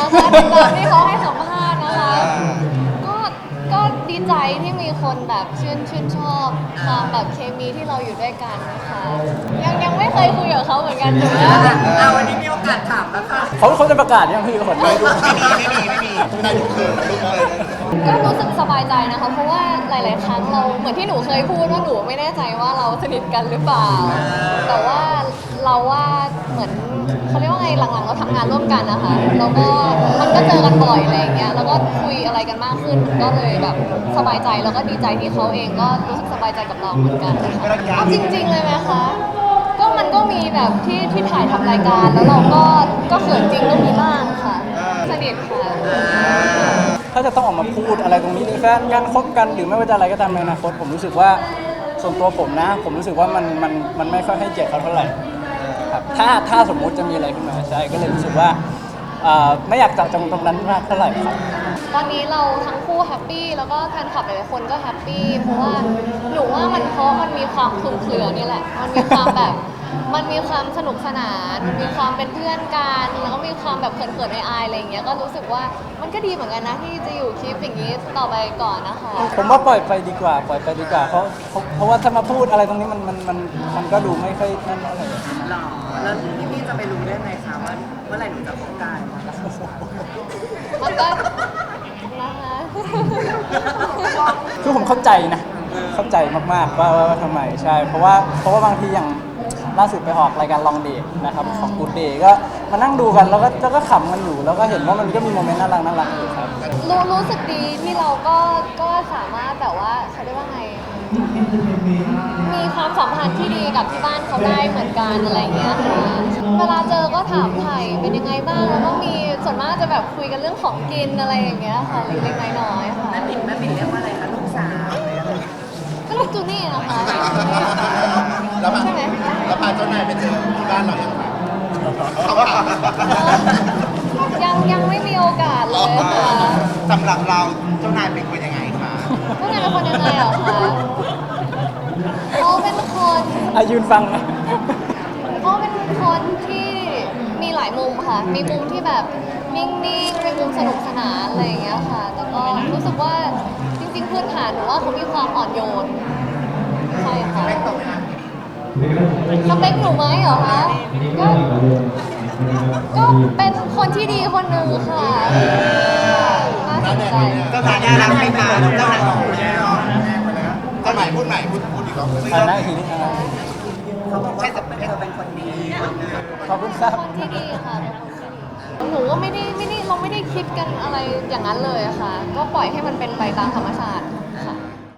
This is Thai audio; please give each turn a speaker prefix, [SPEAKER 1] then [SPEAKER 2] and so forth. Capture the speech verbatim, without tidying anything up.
[SPEAKER 1] นะคะตามที่เขาให้สัมภาษณ์นะคะก็ก็ดีใจที่มีคนแบบชื่นชื่นชอบความแบบเคมีที่เราอยู่ด้วยกันนะคะยังยังไม่เคยคุยกับเขาเหมือนกันแต่ว่า
[SPEAKER 2] เอาวันนี้มีโอกาสถามแล้วค่ะ
[SPEAKER 3] เขาเขาจะประกาศยังพี่คนไม่รู้
[SPEAKER 2] ไม่มีไม่มีไม่มีไม่ได้ทุกคืนทุกคืน
[SPEAKER 1] ก็รู้สึกสบายใจนะคะเพราะว่าหลาย ๆ ครั้งเราเหมือนที่หนูเคยพูดว่าหนูไม่แน่ใจว่าเราสนิทกันหรือเปล่า แต่ว่าเราว่าเหมือนเขาเรียกว่าไงหลัง ๆ เราทำงานร่วมกันนะคะแล้วก็มันก็เจอกันบ่อยอะไรอย่างเงี้ยแล้วก็คุยอะไรกันมากขึ้นก็เลยแบบสบายใจแล้วก็ดีใจที่เขาเองก็รู้สึกสบายใจกับเราเหมือนกันนะคะเอาจริง ๆ เลยไหมคะก็มันก็มีแบบที่ที่ถ่ายทำรายการแล้วเราก็ก็เขินจริงก็มีบ้างค่ะสนิทค่ะ
[SPEAKER 3] ถ้าจะต้องออกมาพูดอะไรตรงนี้ในแฟนกันคบกันหรือไม่ว่าจะอะไรก็ตามในอนาคตผมรู้สึกว่าส่วนตัวผมนะ ผมรู้สึกว่ามันมันมันไม่ค่อยให้เกียรติเขาเท่าไหร่ครับถ้าถ้าสมมุติจะมีอะไรขึ้นมาใช่ก็เลยรู้สึกว่าเอ่อไม่อยากเจาะจงตรงนั้นมากเท่าไหร่ครับ
[SPEAKER 1] ตอนนี้เราทั้งคู่แฮปปี้แล้วก็แฟนคลับหลายๆคนก็แฮปปี้เพราะว่าหนูว่ามันเพราะมันมีความคลุมเครือนี่แหละมันมีความแบบมันมีความสนุกสนานมันมีความเป็นเพื่อนกันแล้วก็มีความแบบเขินๆอายๆอะไรอย่างเงี้ยก็รู้สึกว่ามันก็ดีเหมือนกันนะที่จะอยู่คลิปอย่างนี้ต่อไปก่อนนะคะ
[SPEAKER 3] ผมว่าปล่อยไปดีกว่าปล่อยไปดีกว่าเพราะเพราะเพราะว่าถ้ามาพูดอะไรตรงนี้มันมันมันมันก็ดูไม่ค่อยนั่นเท่าไหร่
[SPEAKER 2] หรอแล้วพี่พี่จะไปรู้ได้ไงคะว่าเมื่อไหร่หนูจะพบกัน
[SPEAKER 1] มันก็นะคะ
[SPEAKER 3] คือผมเข้าใจนะเข้าใจมากๆว่าว่าว่าทำไมใช่ เพราะว่าเพราะว่าบางทีอย่างล่าสุดไปออกรายการลองเดทนะครับของกูเดย์ก็มานั่งดูกันแล้วก็แล้วก็ขำกันอยู่ แล้วก็เห็นว่ามันก็มีโมเมนต์น่ารักน่ารักอยู่ครับ
[SPEAKER 1] รู้รู้สึกดีที่เราก็ก็สามารถแบบว่าเขาเรียกว่าไง มีความสัมพันธ์ที่ดีกับที่บ้านเขาได้เหมือนกันอะไรอย่างเงี้ยค่ะเวลาเจอก็ถามไถ่เป็นยังไงบ้างแล้วก็มีส่วนมากจะแบบคุยกันเรื่องของกินอะไรอย่างเงี้ยค่ะเล็กๆน้อยๆค่ะ
[SPEAKER 2] แม่ปิ่นแม่ปิ่นเรียกว่าอะไรคะลูกสาว
[SPEAKER 1] ก็ลูกจูนี่นะคะ
[SPEAKER 4] แล้วพา
[SPEAKER 1] ใช่ไหม
[SPEAKER 4] แล้วพาเจ้านายไปเจอที่บ้านเรายังไงเขาถาม
[SPEAKER 1] ยังยังไม่มีโอกาสเลยค่ะ
[SPEAKER 4] สำหรับเราเจ้านายเป็นคนยังไงคะ
[SPEAKER 1] เจ้านายเป็นคนยังไงเหรอคะเขาเป็นคน
[SPEAKER 3] อายืนฟังนะ
[SPEAKER 1] เขาเป็นคนที่มีหลายมุมค่ะ มีมุมที่แบบนิ่งๆมีมุมสนุกสนานอะไรอย่างเงี้ยค่ะ แต่ก็รู้สึกว่าจริงๆพื้นฐานหนูว่าเขามีความอ่อนโยน ใช่ค่ะ
[SPEAKER 4] ไม่ตรงไหมคะ
[SPEAKER 1] สเปคหนูไหมเหรอคะ ก็ ก็เป็นคนที่ดีคนหนึ่งค่ะน่าสนใจ
[SPEAKER 4] เจ้านายน่ารักไหมคะเจ้านายของคุณแน่นอนเจ้านายพูดใหม่พูดพูดอีกรอบ
[SPEAKER 3] อ่านได้ทีนี้อ่า
[SPEAKER 2] เขาบอกว่าเธอเป็นคนดี
[SPEAKER 3] ขอบคุณครับ
[SPEAKER 1] คนที่ดีค่ะเป็นคนที่ดีหนูก็ไม่ได้ไม่ได้เราไม่ได้คิดกันอะไรอย่างนั้นเลยอะค่ะ ก็ปล่อยให้มันเป็นไปตามธรรมชาติ